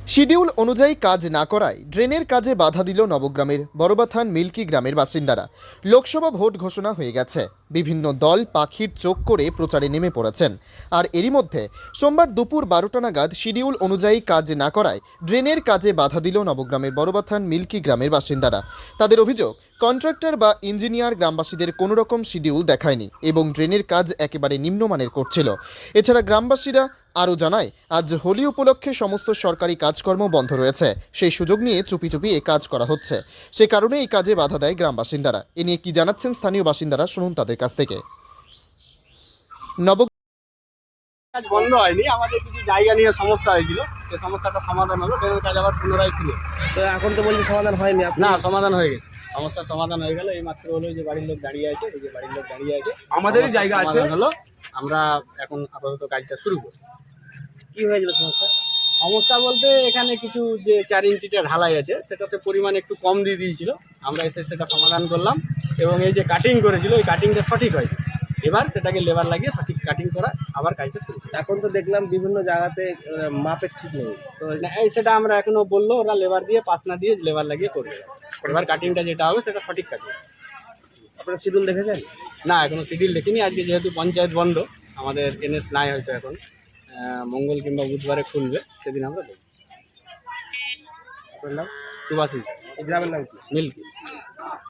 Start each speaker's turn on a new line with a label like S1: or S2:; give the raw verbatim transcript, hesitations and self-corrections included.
S1: Schedule অনুযায়ী কাজ না করায় ড্রেনের কাজে বাধা দিল নবগ্রামের বড়বাথান মিল্কি গ্রামের বাসিন্দারা। লোকসভা ভোট ঘোষণা হয়ে গেছে, বিভিন্ন দল পাখির চোখ করে প্রচারে নেমে পড়েছেন। আর এরই মধ্যে সোমবার দুপুর বারোটা নাগাদ শিডিউল অনুযায়ী কাজ না করায় ড্রেনের কাজে বাধা দিল নবগ্রামের বড়বাথান মিল্কি গ্রামের বাসিন্দারা। তাদের অভিযোগ, কন্ট্রাক্টর বা ইঞ্জিনিয়ার গ্রামবাসীদের কোনো রকম শিডিউল দেখায়নি এবং ড্রেনের কাজ একেবারে নিম্নমানের করছিল। এছাড়া গ্রামবাসীরা আরও জানায়, আজ হোলি উপলক্ষে সমস্ত সরকারি কাজকর্ম বন্ধ রয়েছে, সেই সুযোগ নিয়ে চুপি চুপি এই কাজ করা হচ্ছে। সে কারণে এই কাজে বাধা দেয় গ্রাম বাসিন্দারা। এ নিয়ে কি জানাচ্ছেন স্থানীয় বাসিন্দারা, শুনুন তাদের কাছ থেকে। নব
S2: কাজ বন্ধ হয়নি, আমাদের কিছু জায়গা নিয়ে সমস্যা হয়েছিল, সেই সমস্যাটা সমাধান হলো, ট্রেনের কাজ আবার পুনরায় ছিল।
S3: তো এখন তো বলছি সমাধান হয়নি। আপনি
S2: না, সমাধান হয়ে গেছে, সমস্যার সমাধান হয়ে গেল। এই মাত্র হলো যে বাড়ির লোক দাঁড়িয়ে আছে, এই যে বাড়ির লোক দাঁড়িয়ে আছে,
S3: আমাদেরই জায়গা আছে
S2: হলো। আমরা এখন আপাতত কাজটা শুরু করি।
S3: কি হয়েছিল সমস্যা?
S2: সমস্যা বলতে এখানে কিছু যে চার ইঞ্চিটা ঢালাই আছে, সেটাতে পরিমাণ একটু কম দিয়ে দিয়েছিল, আমরা এসে সেটা সমাধান করলাম। এবং এই যে কাটিং করেছিল, ওই কাটিংটা সঠিক হয়নি, এবার সেটাকে লেবার লাগিয়ে সঠিক কাটিং করা আবার কাজটা শুরু করি।
S3: এখন তো দেখলাম বিভিন্ন জায়গাতে আহ, মাপের ঠিক নেই, তো
S2: না, এই সেটা আমরা এখনো বললো, ওরা লেবার দিয়ে পাস না দিয়ে লেবার লাগিয়ে করবে। এবার কাটিংটা যেটা হবে সেটা সঠিক কাটিং।
S3: আপনারা শিডিউল দেখেছেন?
S2: না, এখনো শিডিউল দেখিনি। আজকে যেহেতু পঞ্চায়েত বন্ধ, আমাদের এনএস নাই হয়তো এখন, আহ, মঙ্গল কিংবা বুধবারে খুলবে, সেদিন আমরা দেখব।
S3: আপনার নাম?
S2: সুভাষিস
S3: এই গ্রামের নাম কি?
S2: মিল্কি।